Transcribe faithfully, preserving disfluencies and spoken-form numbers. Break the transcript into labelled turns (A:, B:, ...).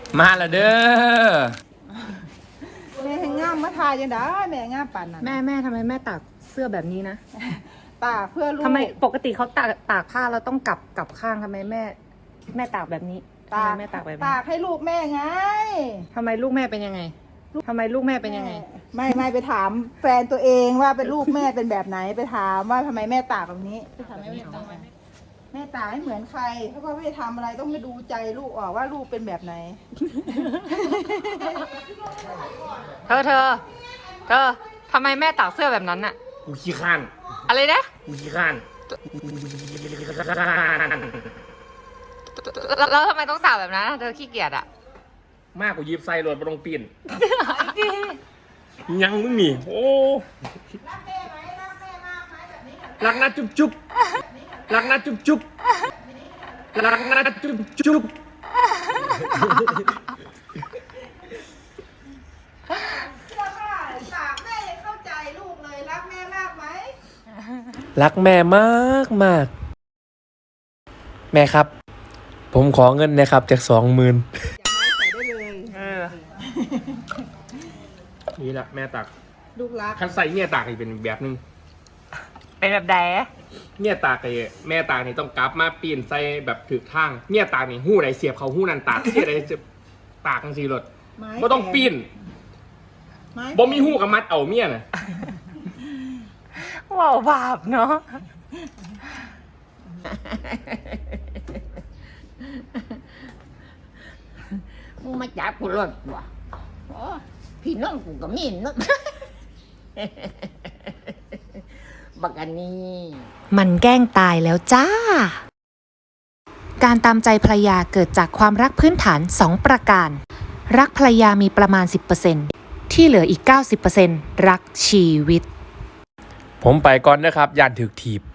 A: มาละเด้อ
B: แม่ให้งามมาทายยังได้แม่งามปั่นน่ะ
C: แม่แม่ทำไมแม่ตากเสื้อแบบนี้นะ
B: ตากเพื่อลูก
C: ทำไมปกติเขาตากตากผ้าเราต้องกลับกลับข้างทำไมแม่ แม่ตากแบบนี้ทำไมแม่ตากแบบนี้
B: ตากให้ลูกแม่ไง
C: ทำไมลูกแม่เป็นยังไงทำไมลูกแม่เป็นยังไง
B: ไม่ไม่ไปถามแฟนตัวเองว่าเป็นลูกแม่เป็นแบบไหนไปถามว่าทำไมแม่ตากแบบนี้ไปถามแม่แม่ตากแม่ตากให้เหมือนใครเพราะว่าไม่ได้ทำอะไรต้องไปดูใจลูกออกว่าลูกเป็นแบบไหน
C: เธอเธอเธอทำไมแม่ตากเสื้อแบบนั้นอะ
A: กูขี้ข้าน
C: อะไรนะ
A: กูขี้ข้าน
C: แล้วแล้วทำไมต้องตากแบบนั้นอะเธอขี้เกียจอะ
A: มากกว่ายิบใส่รถมาตรงปีนยังมึงนี่โอ้รักนะจุ๊บจุ๊บรักนะจุ๊บจุ๊บรักนะจุ๊บจุ๊บ
B: ตากแม่ยังเข้าใจลูกเลยรักแม่มากไหม
A: รักแม่มากมากแม่ครับ ผมขอเงินนะครับจากสองหมื่น
B: ใส่ได้เลย
C: เออ
A: นี่แหละแม่ตัก
B: ลูกรัก
A: คันใส่เนี่ยตากนี่เป็นแบบนึง
C: เป็นแบบใด
A: เนี่ยตากไอ้แม่ตากนี่ต้องกลับมาปีนใส่แบบถือทางเนี่ยตากนี่หู้ใดเสียบเขาหู้นั่นตากเสียใดเสียบตากจังซี่รถ
B: ไม้
A: บ่ต้องปีน
B: ไม้
A: บ่มีหู้กับมัดเอาเมียน่ะ
C: ว้าวบาปเนาะ
D: มึงมาจับกูรถว่ะโอ้พี่น้องกูก็มีเนาะ บักอันนี้
E: มันแกล้งตายแล้วจ้า การตามใจภรรยาเกิดจากความรักพื้นฐาน สอง ประการ รักภรรยามีประมาณ สิบเปอร์เซ็นต์ ที่เหลืออีก เก้าสิบเปอร์เซ็นต์ รักชีวิต
A: ผมไปก่อนนะครับย่านถึกถีบ